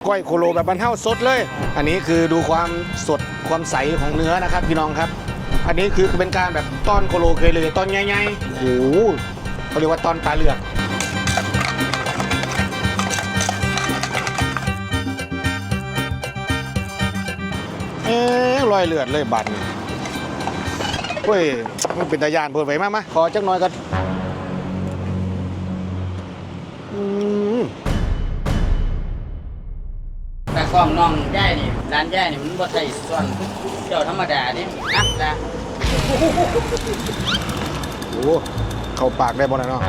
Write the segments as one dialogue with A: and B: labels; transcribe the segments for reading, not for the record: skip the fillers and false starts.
A: ก้อยโคโลแบบบรรเทาสดเลยอันนี้คือดูความสดความใสของเนื้อนะครับพี่น้องครับอันนี้คือเป็นการแบบต้อนโคโลเคยเลยต้อนใหญ่ๆโอ้โหเขาเรียกว่าต้อนตาเหลือกลอยเลือดเลยบัตรเฮ้ยมันเป็นตายานเปิดไว้มาขอจักหน่อยกัน
B: แต่กล้องน้องย่ายนี่ร้านย่ายนี่มันบ่ใช่ส่วนเจ้าธรรมดาดิอ่ะจ้ะ
A: โอ้เข้าปากได้บ่นะเนาะ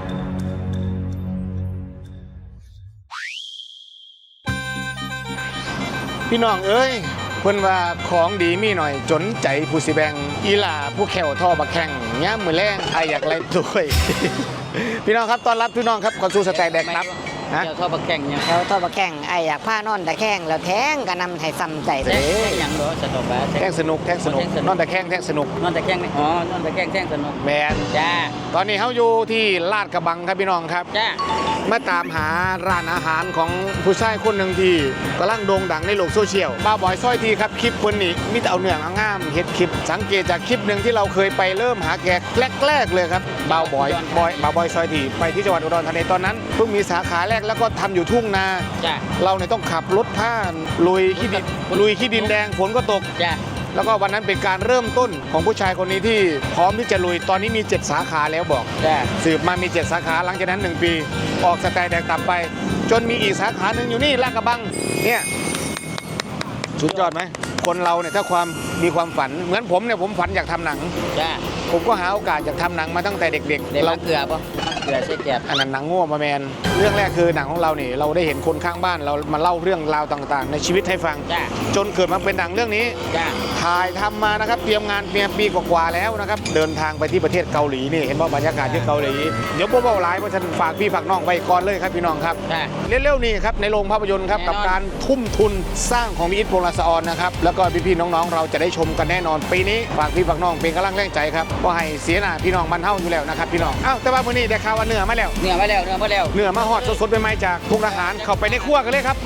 A: พี่น้องเอ้ยเพิ่นว่าของดีมีหน่อยจนใจผู้สิแบงอีหล่าผู้แขวท่อบักแข่งย่ามมือแรงไออยากไล่ด้วย พี่น้องครับต้อนรับพี่น้องครับก่อนสู่สแต็กแดกนับ
B: เจ้าท่อบักแข่งเนี่ย
C: แล้วท่อบักแข่งไออยากผ้านอนแต่แข้งแล้วแท้งก็นำให้ซ้ำใจไป
B: แท่งอย่างเหรอสนุกปะ
A: แท่งสนุกนอนแต่แข้งแท่งสนุก
B: นอนแต่แข้งนี่อ๋อนอนแต่แข้งแท่งสนุก
A: แมน
B: จ้า
A: ตอนนี้เขาอยู่ที่ลาดกระบังครับพี่น้องครับ
B: จ้า
A: มาตามหาร้านอาหารของผู้ชายคนหนึ่งที่กำลังโด่งดังในโลกโซเชียลบ้าบอยซอยทีครับคลิปคนนี้มิตรเอาเนื้องงามเฮ็ดคลิปสังเกตจากคลิปหนึ่งที่เราเคยไปเริ่มหาแขกแรกเลยครับบ้าบอยซอยทีไปที่จังหวัดอุดรธานีตอนนั้นเพิ่งมีสาขาแรกแล้วก็ทำอยู่ทุ่งนาเราเนี่ยต้องขับรถผ่านลุยขี้ดินแดงฝนก็ตกแล้วก็วันนั้นเป็นการเริ่มต้นของผู้ชายคนนี้ที่พร้อมที่จะลุยตอนนี้มี7สาขาแล้วบอกสืบมามี7สาขาหลังจากนั้น1ปีออกสแต็กแดกตับไปจนมีอีกสาขาหนึ่งอยู่นี่ลาดกระบังเนี่ยสุดยอดไหมคนเราเนี่ยถ้ามีความฝันเหมือนผมเนี่ยผมฝันอยากทำหนังผมก็หาโอกาสอยากทำหนังมาตั้งแต่เด็ก
B: ๆเราเกลือปะเกลือใช่แก่
A: อันนั้นหนังง่วมาแมนเรื่องแรกคือหนังของเราเนี่ยเราได้เห็นคนข้างบ้านเรามาเล่าเรื่องราวต่างๆในชีวิตให้ฟังจนเกิดมาเป็นหนังเรื่องนี้ถ่ายทำมานะครับเตรียมงานเพียงปีกว่าๆแล้วนะครับเดินทางไปที่ประเทศเกาหลีนี่เห็นว่าบรรยากาศที่เกาหลีเดี๋ยวพวกเราไลฟ์เพราะฉันฝากพี่ฝากน้องไปก่อนเลยครับพี่น้องครับเร็วๆนี่ครับในโรงภาพยนตร์ครับกับการทุ่มทุนสร้างของมิตรโปรลาสออนนะครับแล้วก็พี่ๆน้องๆเราจะได้ชมกันแน่นอนปีนี้ฝากพี่ฝากน้องเป็นกำลังแรงใจครับก็ให้เสียหน้าพี่น้องมันเท่าอยู่แล้วนะครับพี่น้องแต่ว่ามื้อนี้ได้ข่าวว่าเนื้อมาแล้ว
B: เนื้อ
A: มาฮอดสดๆใหม่ๆจากทุกอาหารเข้าไปในครัวกันเลยครับไป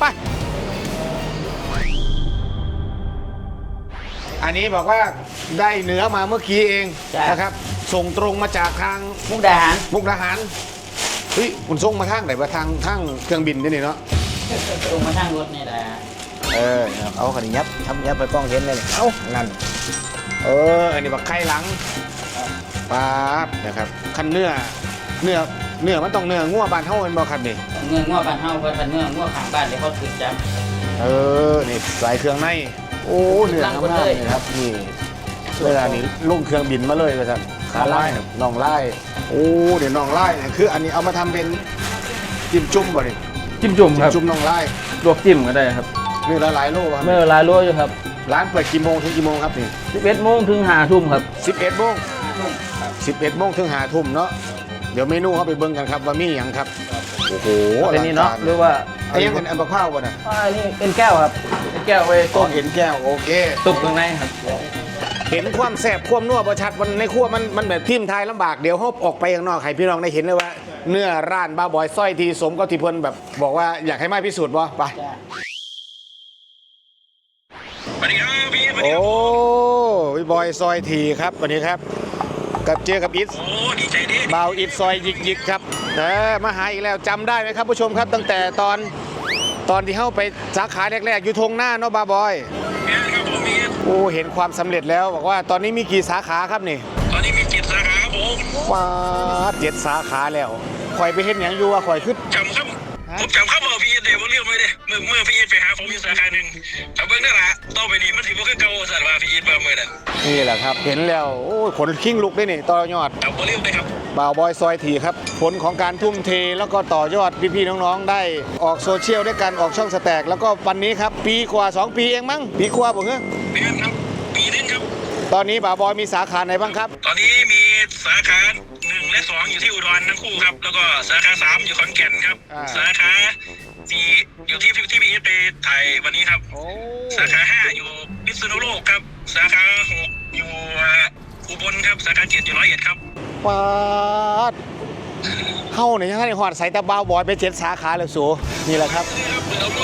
A: อันนี้บอกว่าได้เนื้อมาเมื่อกี้เองนะครับส่งตรงมาจากทาง
B: มุกดาหาร
A: เฮ้ยคุณส่งมาทางไหนว่าทางเครื่องบินนี่เนาะ
B: ส่งมาทางรถนี่แหละ
A: เอาขนมยับไปกล้องเห็นเลยเอานั่นอันนี้แบบไข่หลังป๊าบนะครับขั้นเนื้อมันต้องเนื้องัวบานเท่ากันบ่ครับนี่
B: เนื้องัวบานเท่าเพราะเนื้องัวขางบ้านเลยเขาถึงจับ
A: นี่ใส่เครื่องในโอ้เนื้องามๆเลยครับนี่เวลานี้ลงเครื่องบินมาเลยว่าท่านขาไล่น่องไล่โอ้เดี๋ยวน่องไล่เนี่ยคืออันนี้เอามาทำเป็นจิ้มจุ่มบ่ดิ
D: จิ้มจุ่มครับ
A: จุ่มน่องไล่
D: ลวกจิ้มก็ได้ครับ
A: เนื้อหลายโลครับ
D: เนื้อหลายโลอยู่ครับ
A: ร้านเปิดกี่โมงถึงกี่โมงครับนี่
D: 11 โมงถึง5 ทุ่มครับ
A: 11 โมงถึง5 ทุ่มเนาะเดี๋ยวเมนูเขาไปเบิ่งกันครับว่ามีอย่างครับโอ้โห
D: เป็นนี่เนาะหรือว่า
A: ไอ้ยังเป็นอันบะพร้าวป่ะนะ
D: นี่เป็นแก้วครับเป็นแก้วไว้ต้ม
A: เห็นแก้วโอเค
D: ตุกข้างในครับ
A: เห็นความแสบความนัวประชัดวันในครัวมันแบบทิ่มทายลำบากเดี๋ยวเขาออกไปข้างนอกให้พี่น้องได้เห็นเลยว่าเนื้อร้านบ้าบอยสร้อยทีสมกับที่เพิ่นแบบบอกว่าอยากให้มาพิสูจน์บ่ไปโอ้พี่บอยซอยทีครับวันนี้ครับกับเจอกับอิทบ่าวอิทซอยยิกครับมาหาอีกแล้วจำได้ไหมครับผู้ชมครับตั้งแต่ตอนที่เข้าไปสาขาแรกๆอยู่ทงหน้าเนาะบ่าวบอยโอ้เห็นความสำเร็จแล้วบอกว่าตอนนี้มีกี่สาขาครับนี่
E: ตอนนี้มี7 สาขาครับผม
A: ว้า7 สาขาแล้วคอยไปเห็นอย่างอยู่ว่าคอยขึ้น
E: จำครับผมจำครับว่าพี่เดวเรียกไม่ได้เมื่อพี่ไปหาผมอยู่สาขาหนึ่งแต่เบื้องหน้าละต่อไปนี้มันถือว่าคือเก่าสัตว์ว่าพี่มาเมื่อนั้น
A: นี่แหละครับเห็นแล้วโอ้ขนขิ้งลุกได้นี่ต่อยอด
E: จำเรียกได้ครับ
A: บ่าวบอยซอยทีครับผลของการทุ่มเทแล้วก็ต่อยอดพี่ๆน้องๆได้ออกโซเชียลด้วยกันออกช่องสแต็กแล้วก็วันนี้ครับปีกว่า2 ปีเองมั้งปีกว่าบ่เหรอ
E: ปีนึงครับปีนึงครับ
A: ตอนนี้บ่าวบอยมีสาขาไหนบ้างครับ
E: ตอนนี้มีสาขา1 และ 2อยู่ที่อุดรทั้งคู่ครับแล้วก็สาขา3อยู่ขอนแก่นครับสาขา4อยู่ที่พี่ไปถ่ายวันนี้ครับสาขา5อยู่พิษณุโลกครับสาขา6อยู่อุบลครับสาขา7อยู่101ครับ
A: ป๊าดเข้าเนี่ยยังไงหอดใส่ตะบ่าวบอยไป7 สาขาเลยสูนี่แหละครับ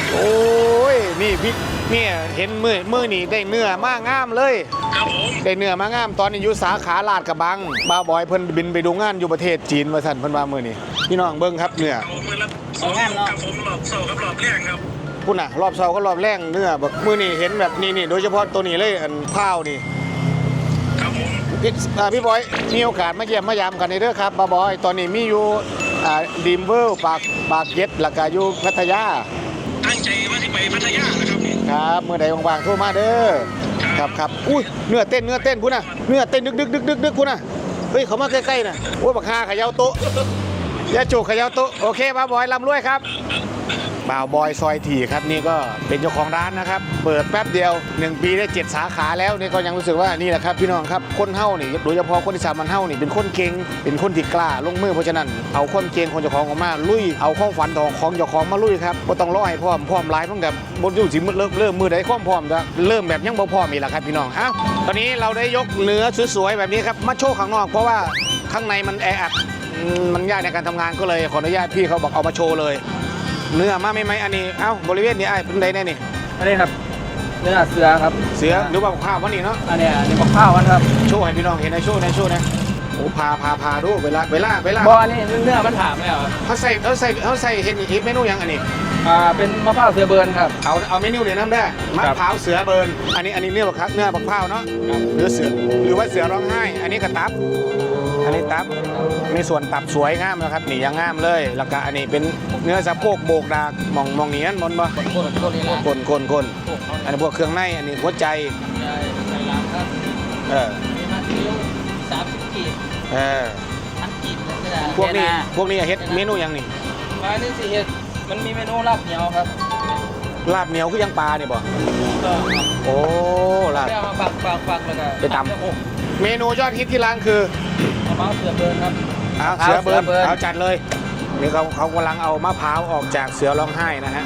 A: โอ้ยนี่พี่เนี่ยเห็นมือนี่ได้เนื้อมากงามเลย
E: ครับผม
A: ได้เนื้อมางามตอนนี้อยู่สาขาลาดกระบังบ้าวบอยเพิ่นบินไปดูงานอยู่ประเทศจีนว่าซั่นเพิ่นว่ามื้อนี้พี่น้องเบิ่งครับเนื้อ
E: เอามือละสองครับผมรอบเสาร์กับรอบแรกครับ
A: พุ่นน่ะรอบเช้าก็รอบแรงเนื้อแบบมื้อนี้เห็นแบบนี่โดยเฉพาะตัวนี้เลยอันข้าวนี่
E: ครับผม
A: พี่บอยมีโอกาสมาเยี่ยมมายามกันในเด้อครับบ้าวบอยตอนนี้มีอยู่ดีมเวิลด์ปากเย็ดแล้วก็อยู่พัทยา
E: ตั้งใจว่าที่ไปพัทยานะครับนี่
A: ครับเมื่อใดว่างๆโทรมาเด้อครับอุ้ยเนื้อเต้นพุ่นน่ะเนื้อเต้นดึกพุ่นน่ะเฮ้ยเขามาใกล้ๆน่ะโอ้ยบักฮาเขย่าโต๊ะยาจูเขย่าโต๊ะโอเคบ้าวบอยลำรวยครับบ่าวบอยซอยถี่ครับนี่ก็เป็นเจ้าของร้านนะครับเปิดแป๊บเดียว1 ปีได้7 สาขาแล้วนี่ก็ยังรู้สึกว่านี่แหละครับพี่น้องครับคนเฮ้านี่โดยเฉพาะคนที่สามันเฮ้านี่เป็นคนเก่งเป็นคนที่กล้าลงมือเพราะฉะนั้นเอาความเก่งของเจ้าของออกมาลุยเอาความฝันของเจ้าของมาลุยครับบ่ต้องรอให้พร้อมหลายเพิ่งกับบนอยู่สิเริ่มมือใดความพร้อมจะเริ่มแบบยังบ่พร้อมอีกแล้วครับพี่น้องอ้าวตอนนี้เราได้ยกเนื้อสวยๆแบบนี้ครับมาโชว์ข้างนอกเพราะว่าข้างในมันแออัดมันยากในการทำงานก็เลยขออนุญาตพี่เขาบอกเอามาโชว์เลยเนื้อมาไหมอันนี้เอ้าบริเวณนี้ไอ้เป็นไดแน่นี่
D: อันนี้ครับเนื้อเสือครับ
A: เสือหรือว่าข้าววันนี้เนาะ
D: อันนี้บอกข้าวกันครับ
A: โชว์ให้พี่น้องเห็นในโชว์นะโอ้พาดูเวลา
D: บออันนี้เนื้อมันถามแล้ว
A: เขาใส่เห็นอีกเมนูยังอันนี้
D: เป็นมะพร้าวเสือเบิร์นครับ
A: เอาเมนูเดี๋ยวน้ำได้มะพร้าวเสือเบิร์นอันนี้เนื้อบักคักเนื้อบักพร้าวเนาะหรือเสือหรือว่าเสือร้องไห้อันนี้กระตับอันนี้ตับมีส่วนตับสวยงามนะครับนี่ยังงามเลยแล้วก็อันนี้เป็นเนื้อสะโพกโบกดากมองเนียนมนบ่
B: คนนี้ละ
A: คนอันนี้พวกเครื่องในอันนี้หัวใจ
B: ใส่ล้างครับ
A: เออ
B: มีมาคิว30 กีบ
A: เออ
B: 1,000 กีบเลยก็ได้
A: พวกนี้เฮ็ดเมนูยังนี่
D: มานี่สิเฮ็ดมันมีเมนูลาบเหนียวครับ
A: ลาบเหนียวคือยังปลาเนี่ยบ่
D: ก็
A: โอ้ลาบ
D: แค่มาปักแล้วก็
A: ไปตำ เมนูยอดฮิตที่ร้านคือ
D: มะพร้าวเสือเบิร์นครับ
A: เอาเสือเบิร์น
D: เสือเบิร์น
A: เอาจัดเลยนี่เขากำลังเอามะพร้าวออกจากเสือร้องไห้นะฮะ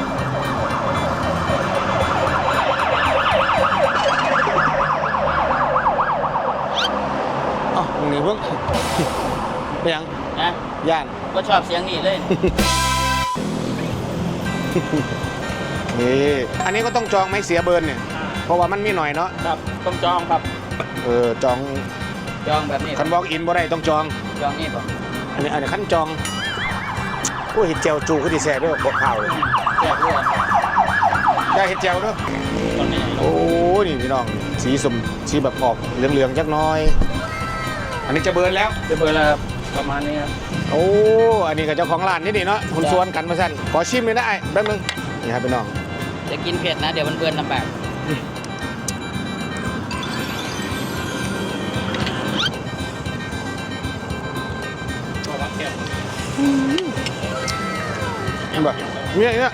A: อ๋อมึงนี่เพิ่งไปยัง
B: นะ
A: ย่าน
B: ก็ชอบเสียงนี่เลย
A: นี่อันนี้ก็ต้องจองไหมเสียเบิร์นเนี่ยเพราะว่ามันมีหน่อยเนาะ
D: ครับต้องจองครับ
A: จอง
B: จองแบบนี้
A: คันบอกอินบ่ได้ต้องจอง
B: จองนี่ป่ะ
A: อันนี้ขั้นจองโอ้ยเห็ดเจียวจูก็ดีแซ่ด้วยบอกข่าวเลย
B: แจกด้วย
A: ได้เห็ดเจียวด้วย
B: ตอนนี้
A: โอ้นี่พี่น้องสีสมสีแบบออกเหลืองๆจักหน้อย อันนี้จะเบิร์นแล้ว
D: เสือเบิร์นแล้วครับประมาณนี้ครับ
A: โอ้อันนี้กับเจ้าของร้านนี่ดีเนาะคุณสวนกันมาสั่นขอชิมเลยนะไอ้แป๊บนึงนี่ครับพี่น้อง
B: จะกินเผ็ดนะเดี๋ยวมันเบือนลำบาก
A: เห็นป่ะเนี่ย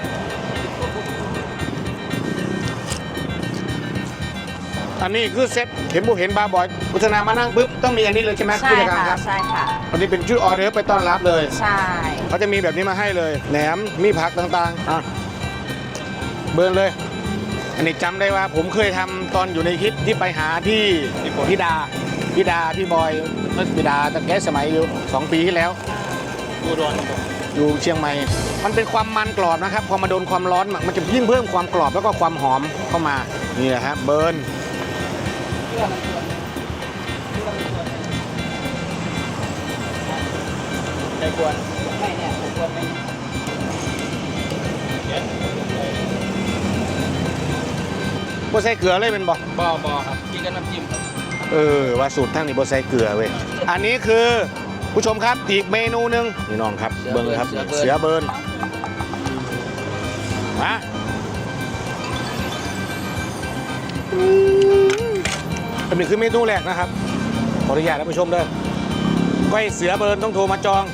A: อันนี้คือเซ็ตเห็นบุเห็นบาร์บอยพุทธนามานั่งปุ๊บต้องมีอันนี้เลยใช่ไหม
F: ใช่
A: ผู้จัดการ
F: ค่ะ
A: ครับ
F: ใช่ค่ะ
A: อันนี้เป็นชุดออเดอร์ไปต้อนรับเลย
F: ใช่
A: เขาจะมีแบบนี้มาให้เลยแหนมมีผักต่างๆเบิร์นเลย อันนี้จำได้ว่าผมเคยทำตอนอยู่ในคลิปที่ไปหาที่พี่ดาพี่บอยพี่ดาตั้งแต่สมัยอยู่2 ปีที่แล้วอยู่เชียงใหม่มันเป็นความมันกรอบนะครับพอมาโดนความร้อนมันจะยิ่งเพิ่มความกรอบแล้วก็ความหอมเข้ามานี่แหละฮะเบิร์นใจกวน
B: ไม่เนี่ยผมควรไม่
A: บ่ใส่เกลือเลยเป็นบ่
D: บครับกินกับน้ำจิ้มครับ
A: ว่าสูตรทั้งนี้บ่ใส่เกลือเว้ยอันนี้คือผู้ชมครับอีกเมนูหนึ่งนี่น้องครับเบิ้งครับเสือเบิร์นมาอันนี้คือเมนูแรกนะครับขออนุญาตท่านผู้ชมเด้อก้อยเสือเบิร์นต้องโทรมาจอง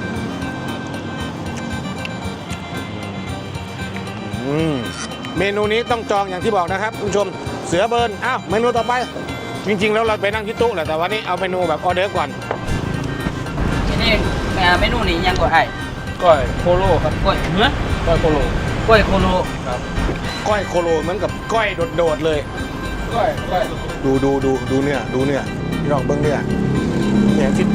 A: เมนูนี้ต้องจองอย่างที่บอกนะครับคุณผู้ชมเสือเบิร์นอ้าวเมนูต่อไปจริงๆแล้วเราไปนั่งที่โต๊ะแหละแต่วันนี้เอาเมนูแบบออเดอร์ก่อน
B: ที่นี่เมนูนี้ยังกว่าไอ้
D: ก้อยโคโลครับ
B: กล้วยเนื้อ
D: ก้อยโคโล
B: กล้วยโคโล
D: ครับ
A: ก้อยโคโลเหมือนกับก้อยโดดๆเลย
D: ก้อย
A: ดูเนื้อพี่น้องเบิ้งเนื้อเนี่ยที่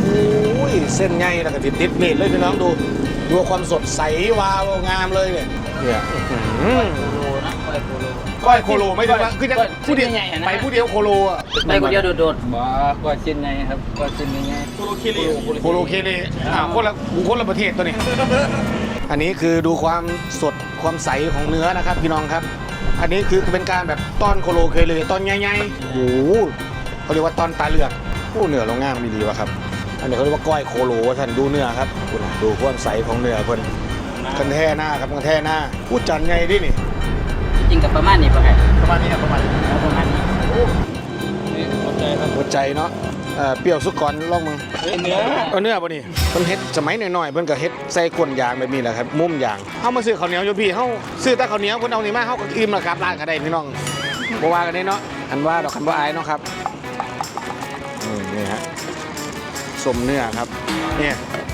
A: โอ้ยเส้นใหญ่แล้วก็ติดเม็ดเลยพี่น้องดูความสดใสวาวงามเลยเนี่ยเนี่ย
B: โคโลนะโคโล
A: ก้อยโคโลไม่ใช่ว่าคือจะผู้เดียว
B: ใหญ่ๆนะ
A: ไปผู้เดียวโคโลอ่ะ
B: ไปคนเดียวโดด
D: บ้ากว่าชิ้นไงครับกว่าชิ้นไงโคโลคิริ
A: โคโลเคเลคนละประเทศตัวนี้ อันนี้คือดูความสดความใสของเนื้อนะครับพี่น้องครับ อันนี้คือเป็นการแบบต้อนโคโลเคเลตอนใหญ่ๆโอ้โหเขาเรียกว่าต้อนตาเลือกโอ้เนื้อเราง่ามดีวะครับ อันนี้เขาเรียกว่าก้อยโคโลท่านดูเนื้อครับดูความใสของเนื้อเพิ่นกันแท่หน้าครับกันแท่หน้าพูดจันไงดินี่
B: ๆจริงกับประมาณนี้ป่ะครับ
A: ประมาณนี้ครับประมาณนี้
B: ประมาณนี้
D: นี่หัวใจครับ
A: หัวใจเนาะเปรี้ยวสุกก่อนลองมึง
D: เนื้อ
A: เอาเนื้อป่ะนี่เพิ่นเฮ็ดสมัยหน่อยๆเพิ่นก็เฮ็ดใส่ก้นยางแบบนี้แหละครับมุมยางเฮามาซื้อข้าวเหนียวอยู่พี่เฮาซื้อแต่ข้าวเหนียวเพิ่นเอานี่มาเฮาก็อิ่มแล้วครับร้านก็ได้พี่น้องบ่ว่ากันได้เนาะอันว่าดอกคันบ่อายเนาะครับนี่ฮะสมเนื้อครับเนี่ย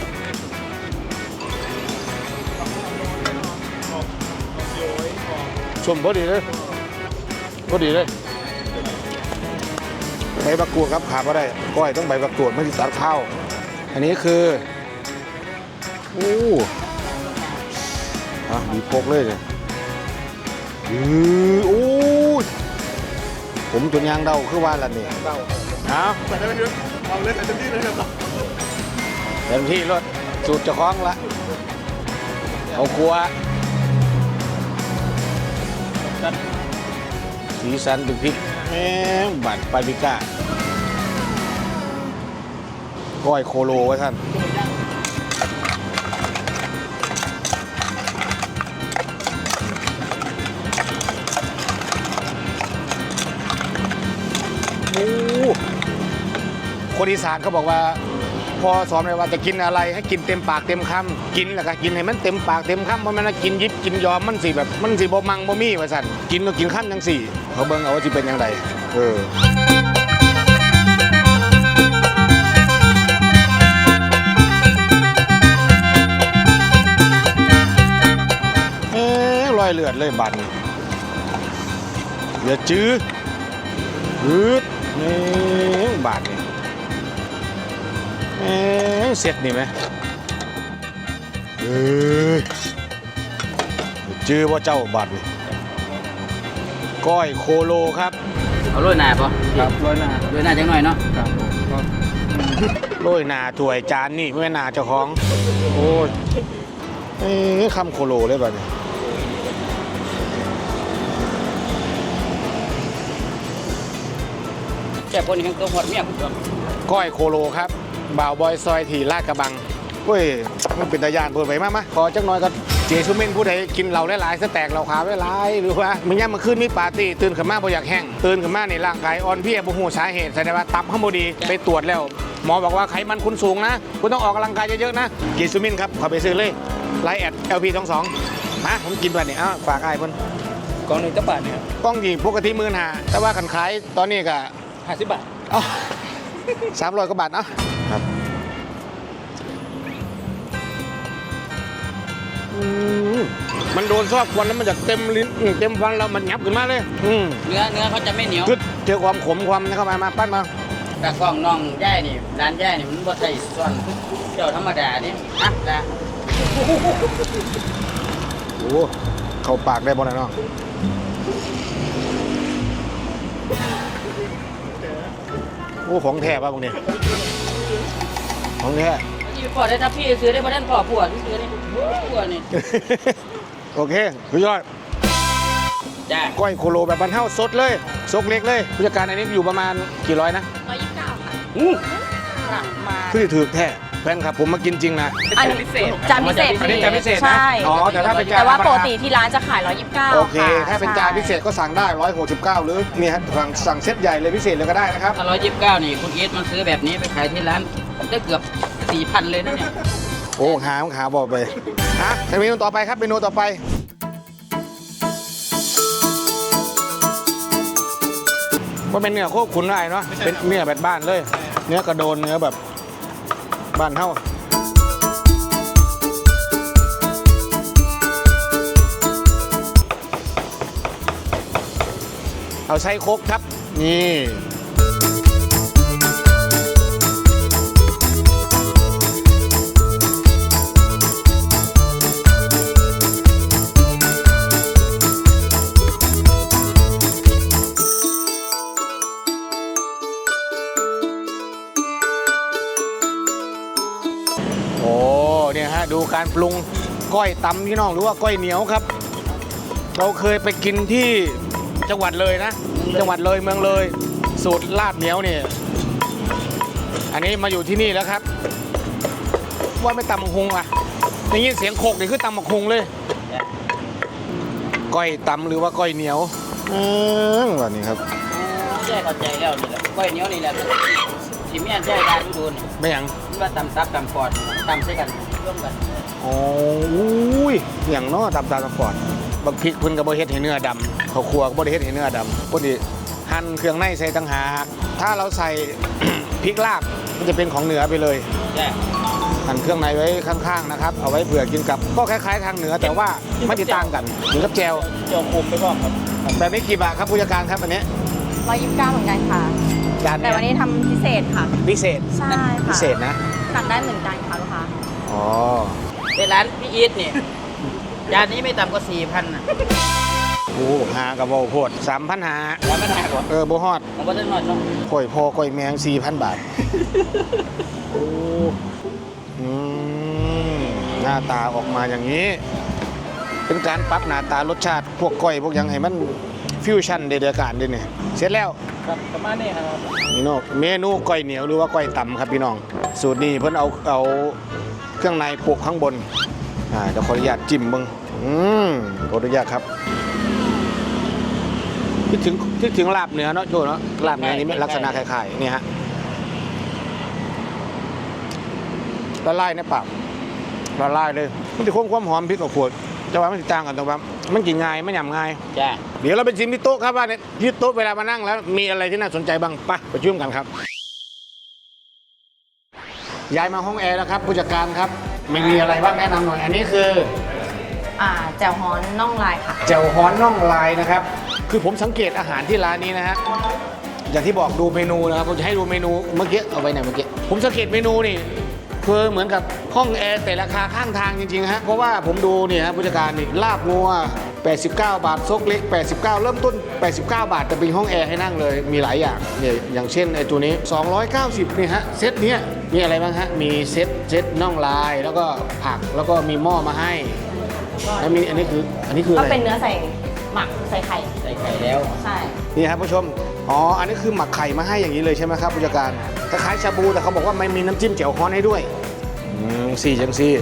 A: สมพอดีเลยพอดีเลยใบมะกรูดครับขาดไม่ได้ก้อยต้องใบมะกรูดไม่ติดตัดข้าวอันนี้คือโอ้มีพกเลยโอ้ยผมจนยางเดาคือว่าละนี่เอาใส่ได้ไหมเอาเลยใส่เต็มที่เลยครับเต็มที่รถสูตรเจ้าของละเอาครัวสีสันเป็นพริกบัตรปาปริก้าก้อยโคโลไว้ท่านคนอีสานเขาบอกว่าพอสอนเลยว่าจะกินอะไรให้กินเต็มปากเต็มคำกินแล้วก็กินให้มันเต็มปากเต็มคำเพราะมันกินยิบกินยอมมันสิแบบมันสิบ่มังบ่มีว่าสั่นกินก็กินขั้นจังสี่เขาเบิ่งเอาว่าสิเป็นยังไงรอยเลือดเลยบันอย่าจื้อนี่บาดนี่เสร็จนี่ไหมจื้อว่าเจ้าบาดนี่ก้อยโคโลครับ
B: เอาโรยหน้าป่ะ
D: ครับร้อยหน้า
B: โรยหน้าจังหน่อยเนาะ
D: ครับ
A: โรยหน้าถ้วยจานนี่ไม่หน้าเจ้าของโอ้ยคำโคโลเลยบาดนี่
B: แค่คนนี้ก็หดเมียผมก็
A: ก้อยโคโลครับบ่าวบอยซอยถี่ลาดกระบังเฮ้ยมันเป็นตายานเปิดไปมาขอจักหน่อยก็เจสุเมนผู้ใดกินเหล้าหลายๆสแต็กเหล้าขาวหลายๆหรือว่ามันย่ำมันขึ้นมีปาร์ตี้ตื่นขึ้นมาบ่อยากแห้งตื่นขึ้นมาในร่างกายอ่อนเพลียบ่ฮู้สาเหตุแสดงว่าตับเฮาบ่ดีไปตรวจแล้วหมอบอกว่าไขมันคุณสูงนะคุณต้องออกกำลังกายเยอะๆนะเจสุเมนครับขอไปซื้อเลยไลน์แอด LP22มาผมกินแบบนี้ฝากอ้ายเพิ่น
D: กล่องหนึ่งจะบาทเนี่ย
A: กล้องดีปกติ15,000แต่ว่าคันขายตอนนี้ก็
D: 50 บาท
A: 300 กว่าบาทเนาะครับมันโดนซอกควันแล้วมันจะเต็มลิ้นเต็มฟันแล้วมันยับขึ้นมาเลย
B: เนื้อเขาจะไม่เหนียว
A: คือเจอความขมความนี่เข้ามาปั้นมา
B: แต่กล้องน้องย่ายนี่ร้านย่ายนี่มันบ่ใช่ส่วนเจ้าธรรมดานี่อ่ะจ้ะ
A: โอ้เข้าปากได้บ่นะเนาะโอ้ของแท้ป่ะพวกนี้ของแท้
B: พี่พอได้ถ้าพี่ซื้อได้บ่ทันพอผัวซื้อนี่ผัวนี่
A: โอเคสุดยอด
B: จ้า
A: ก้อยโคโลแบบบรรเทาสดเลยซกเล็กเลยผู้จัดการอันนี้อยู่ประมาณกี่ร้อยนะ
F: 129 ค่ะ
A: มาคือถือแท้แฟนครับผมมากินจริงนะ
F: อันนี้จานพิเศษ
A: อันนี้จานพิเศษนะ
F: ใช่
A: อ๋อแต่ถ้าเป็นจาน
F: แต่ว่า
A: ธรรมดา
F: ปกติที่ร้านจะขาย 129
A: โอเค
F: ค่ะ
A: ถ้าเป็นจานพิเศษก็สั่งได้169หรือนี่ฮะสั่งเซตใหญ่เลยพิเศษเลยก็ได้นะครับ
B: ถ้า129นี่คุณเอสมันซื้อแบบนี้ไปขายที่ร้านได้เกือบ 4,000 เลยนะเนี่ย
A: โอ้หาบอกไปเมนูต่อไปครับเมนูต่อไปว่าเป็นเนื้อโคขุนได้เนาะเป็นเนื้อแบบบ้านเลย เนื้อกระโดนเนื้อแบบบ้านเท่าเอาไส้โคกครับนี่การปรุงก้อยตำพี่น้องหรือว่าก้อยเหนียวครับ เราเคยไปกินที่จังหวัดเลยนะ จังหวัดเลยเมืองเลยสูตรลาบเหนียวเนี่ยอันนี้มาอยู่ที่นี่แล้วครับ ว่าไม่ตำบักหุงอ่ะได้ยินเสียงโคกนี่คือตำบักหุงเลยก้อยตำหรือว่าก้อยเหนียววันนี้ครับ
B: แจ้เข้าใจแล้วนี่แหละก้อยเหนียวนี่แหละที่แม่แจ้ได้ดูนี่
A: ไม่หยัง
B: มันว่าตำซับตำปอดตำใส่กันร่วมกัน
A: โอ้ยอย่างเนาะตำตาสปอร์ตบักพริกเพิ่นก็บ่เฮ็ดให้เนื้อดำเขาวคั่วก็บ่ได้เฮ็ดให้เนื้อดำพอดีหั่นเครื่องในใส่ต่างหากถ้าเราใส่ พริกลาบมันจะเป็นของเหนือไปเลย
B: แจ้
A: หั่นเครื่องในไว้ข้างๆนะครับเอาไว้เผื่อกินกับก็คล้ายๆทางเหนือแต่ว่าไม่ได้ต่างกันเหมือนกับแจว
B: เจียวคุมไปพร้อมครับ
A: แบบนี้กี่บาทครับผู้จัดการครับอันนี้
F: 129เหมือนกันค่ะ
A: จาน
F: แต่วันนี้ทำพิเศษค่ะ
A: พิเศษ
F: ใช่ค่ะ
A: พิเศษนะ
F: สั่งได้เหมือนกันค่ะลูกค้า
A: อ๋อ
B: เป็นร้านพี่อีทเนี่ยจานนี้ไม่ต่ำกว่า4,000น่ะ
A: โอ้หากับโบโพด3,000หา
B: แล้วไม่ได้กว่า
A: โบฮอด
B: ผมก็ได้หน่อยเนาะ
A: ก้อยพอก้อยแมง 4,000 บาท โอ้อืมหน้าตาออกมาอย่างนี้ เป็นการปรับหน้าตารสชาติพวกก้อยพวกหยังให้มันฟิวชั่นเดือดการด้วยเนี่ยเสร็จแล้ว
D: ครับประมาณนี้ครับ
A: พี่น้องเมนูก้อยเหนียวหรือว่าก้อยต่ำครับพี่น้อง สูตรนี้เพิ่นเอาเครื่องในโปะข้างบนเดี๋ยวขออนุญาตจิ้มเบิ่งขออนุญาตครับคิดถึงลาบเหนือเนาะโจเนาะลาบเหนือนี่ลักษณะคล้ายๆนี่ฮะละลายในปากละลายเลยมันจะคงความหอมพริกกับขวดแต่ว่ามันจะต่างกันตรงว่ามันกินง่ายไม่หยำง่าย
B: จ้า
A: เดี๋ยวเราไปชิมที่โต๊ะครับว่าเนี่ยที่โต๊ะเวลามานั่งแล้วมีอะไรที่น่าสนใจบ้างไปช่วยกันครับย้ายมาห้องแอร์แล้วครับผู้จัดการครับไม่มีอะไรบ้างแนะนำหน่อยอันนี้คือ
F: แจ่วฮ้อนน่องลายค่ะ
A: แจ่วฮ้อนน่องลายนะครับคือผมสังเกตอาหารที่ร้านนี้นะฮะอย่างที่บอกดูเมนูนะครับผมจะให้ดูเมนูเมื่อกี้เอาไว้ไหนเมื่อกี้ผมสังเกตเมนูนี่คือเหมือนกับห้องแอร์แต่ราคาข้างทางจริงๆฮะเพราะว่าผมดูเนี่ยฮะผู้จัดการนี่ลาบงัว89 บาทซกเล็ก89เริ่มต้น89 บาทแต่เป็นห้องแอร์ให้นั่งเลยมีหลายอย่างเนี่ยอย่างเช่นไอ้ตัวนี้290นี่ฮะเซตเนี้ยมีอะไรบ้างฮะมีเซตน่องลายแล้วก็ผักแล้วก็มีหม้อมาให้แล้วมีอันนี้คือ
F: ก็
A: อะไร
F: เป็นเนื้อใส่หมักใส่ไข่
B: ใส่ไข่แล้ว
F: ใช่
A: นี่ครับผู้ชมอันนี้คือหมักไข่มาให้อย่างนี้เลยใช่ไหมครับผู้จัดการคล้ายๆชาบูแต่เขาบอกว่าไม่มีน้ำจิ้มแจ่วฮ้อนให้ด้วยสี่จังซี่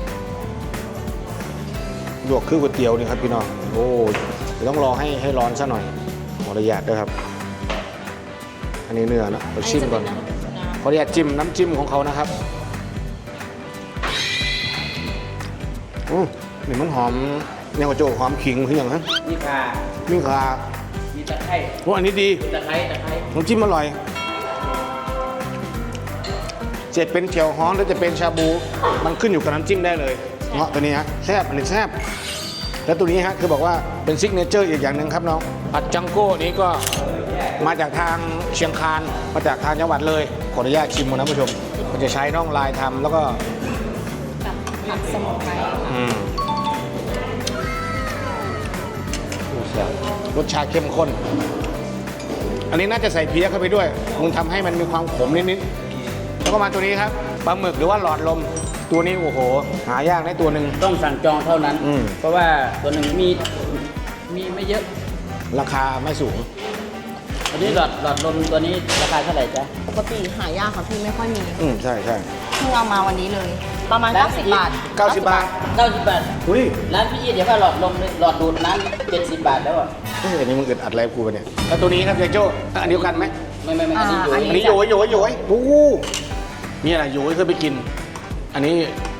A: ลวกคือก๋วยเตี๋ยวนี่ครับพี่น้องโอ้เดี๋ยวต้องรอให้ร้อนซะหน่อยขออนุญาตด้วยครับอันนี้เนื้อนะเราชิมก่อนขออนุญาตจิ้มน้ำจิ้มของเขานะครับนี่มันหอมเนี่ยกระโจกหอมขิงคืออย่างนั้น
B: นี่ค่ะ
A: นี่ค่ะ
B: มีตะไคร้
A: อันนี้ดี
B: ตะไคร้
A: น้ำจิ้มอร่อยจะเป็นเจียวฮ้อนหรือจะเป็นชาบูมันขึ้นอยู่กับน้ำจิ้มได้เลยเงาะตัวนี้ฮะแซ่บอันนี้แซ่บแล้วตัวนี้ฮะคือบอกว่าเป็นซิกเนเจอร์อีกอย่างหนึ่งครับน้องผัดจังโก้นี้ก็มาจากทางเชียงคานมาจากทางจังหวัดเลยขออนุญาตชิมนะผู้ชมมันจะใช้น่องลายทำแล้วก็
F: กับผักสมุนไพร
A: รสชาติเข้มข้นอันนี้น่าจะใส่เพี้ยเข้าไปด้วยมันทำให้มันมีความขมนิดๆแล้วก็มาตัวนี้ครับปลาหมึกหรือว่าหลอดลมตัวนี้โอ้โหหายากได้ตัวหนึ่ง
B: ต้องสั่งจองเท่านั้น
A: อืม
B: เพราะว่าตัวหนึ่งมีไม่เยอะ
A: ราคาไม่สูง
B: อันนี้หลอดลมตัวนี้ราคาเท่าไหร่จ๊ะ
F: ปกติหายากค่ะพี่ไม่ค่อยมี
A: ใช่ใช่
F: เพิ่งเอามาวันนี้เลย ประมาณ 90 บาท
A: 90 บาท
B: 90 บาท
A: อุ้ย
B: ร้านพี่อีทเดี๋ยวว่าหลอดลมหลอดดูดน้ำ70 บาทแล้วอ่ะ
A: อันนี้มึงอึดอัดอะไรกูปะเนี่ยแล้วตัวนี้ครับยายโจ้อันเดียวกันไหม
B: ไม่อันนี้อยู่
F: อัน
A: อันนี้โยยโยยโอ้โหนี่อะไรโยยเคยไปกิน อันนี้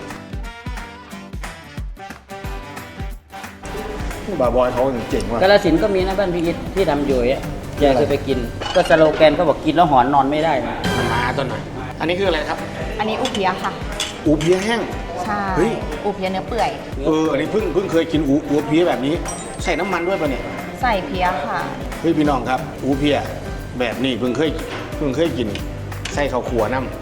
A: บาบอยเขาเจ๋งว่ะ
B: กาฬสินธุ์ก็มีนะบ้านพี่อีทที่ทำอยู่อ่ะแกเคยไปกิน ก็สโลแกนเขาบอกกินแล้วหอนนอนไม่ได้นะ
A: มาต้นหน่อยอันนี้คืออะไรครับ
F: อันนี้อุเพียค่ะ
A: อูเพียแห้ง
F: ใช่
A: เฮ้ย
F: อุเพียเนื้อเปื่อย
A: อันนี้เพิ่งเคยกินอูเพียแบบนี้ ใส่น้ำมันด้วยป่ะเนี่ย
F: ใส่เพียค่ะ
A: เฮ้ยพี่น้องครับ อูเพียแบบนี้เพิ่งเคยกินใส่ข้าวขัวน้ำ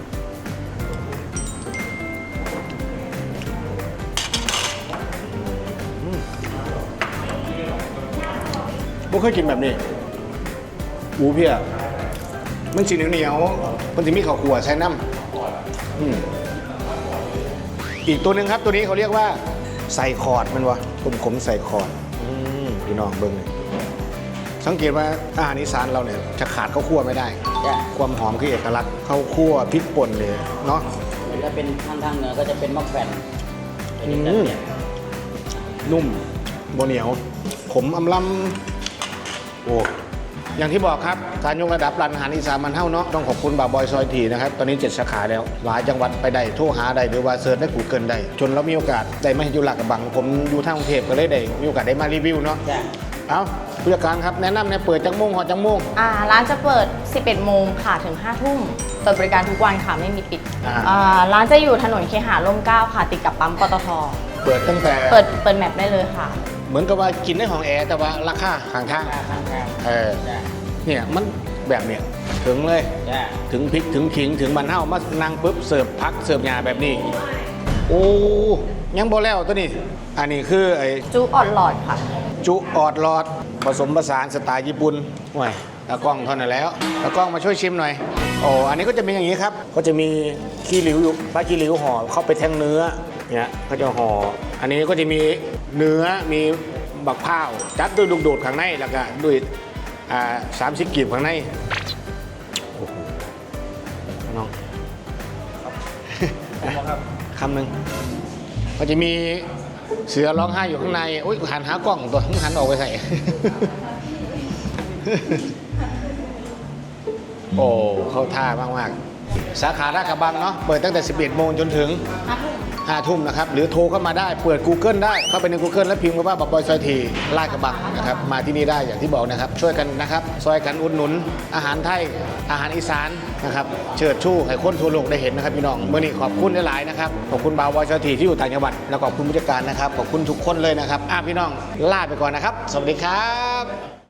A: บ่เคยกินแบบนี้ อูเพียมันสีเหนียวๆมันจะมีข้าวขัวใส่น้ำอีกตัวหนึ่งครับตัวนี้เขาเรียกว่าใส่คอร์ดมันวะขมใส่คอร์ดพี่น้องเบิ้งเลยสังเกตว่าอาหารอีสานเราเนี่ยจะขาดข้าวคั่วไม่ได้
B: จ้ะ
A: ความหอมคือเอกลักษณ์ข้าวคั่วพริกป่นเลยเนาะ
B: ถ้าเป็นทางเหนือก็จะเป็นมะแขวนเป็นอีกแบบเนี่ย
A: นุ่มโบเหนียวขมอำลำโอ้อย่างที่บอกครับการยกระดับร้านอาหารอีสานมันเท่าเนาะต้องขอบคุณบ่าวบอยซอยทีนะครับตอนนี้7สาขาแล้วหลายจังหวัดไปได้โทรหาได้หรือว่าเสิร์ชได้กูเกิลได้จนเรามีโอกาสได้มาอยู่หลักกระบังผมอยู่ทางกรุงเทพก็เลยได้มีโอกาสได้มารีวิวเนาะ
B: จ้ะ
A: เอาผู้จัดการครับแนะนำเนี่ยเปิดจังโมงหอจังโมง
F: ร้านจะเปิด 11 โมงค่ะถึง 5 ทุ่มเปิดบริการทุกวันค่ะไม่มีปิด ร้านจะอยู่ถนนเคหะร่มเกล้าค่ะติดกับปั๊มปตท.
A: เปิดตั้งแต่
F: เปิดแมปได้เลยค่ะ
A: เหมือนกับว่ากินในห้องแอร์แต่ว่าราคาห่างทาง
B: ข้าง
A: เออ
B: จ้ะ
A: เนี่ยมันแบบเนี่ยถึงเลย
B: จ้ะ
A: ถึงพริกถึงขิงถึงมันเท่ามานั่งปุ๊บเสิร์ฟพักเสิร์ฟยาแบบนี้โอ้ยังบ่แล้วตัวนี้อันนี้คือไอ้
F: จุออดหลอดค่ะ
A: จุออดหลอดผสมผสานสไตล์ญี่ปุ่นโอ้ยตากล้องเท่านั้นแล้วตากล้องมาช่วยชิมหน่อยโอ้อันนี้ก็จะเป็นอย่างนี้ครับก็จะมีขี้หลิวอยู่ปลาขี้หลิวห่อเข้าไปแทงเนื้อเนี่ยเขาจะห่ออันนี้ก็จะมีเนื้อมีบักพร้าวจัดด้วยลูกโดดข้างในแล้วก็ด้วย30กีบข้างในโอ้โหน้องคำหนึ่งก็จะมีเสือร้องไห้อยู่ข้างในโอ้ยหันหากล้องตัวหันออกไปใส่ โอ้เข้าท่ามากๆสาขาลาดกระบังเนาะเปิดตั้งแต่ 11 โมงจนถึง 5 ทุ่มนะครับหรือโทรเข้ามาได้เปิด Google ได้เข้าไปใน Google แล้วพิมพ์คำว่าบ่าวบอยซอยทีลาดกระบังนะครับมาที่นี่ได้อย่างที่บอกนะครับช่วยกันนะครับซอยกันอุดหนุนอาหารไทยอาหารอีสานนะครับเชิดชูให้คนทั่วโลกได้เห็นนะครับพี่น้องเมื่อนี้ขอบคุณหลายๆนะครับขอบคุณบ่าวบอยซอยทีที่อยู่ต่างจังหวัดแล้วขอบคุณผู้จัดการนะครับขอบคุณทุกคนเลยนะครับพี่น้องลาไปก่อนนะครับสวัสดีครับ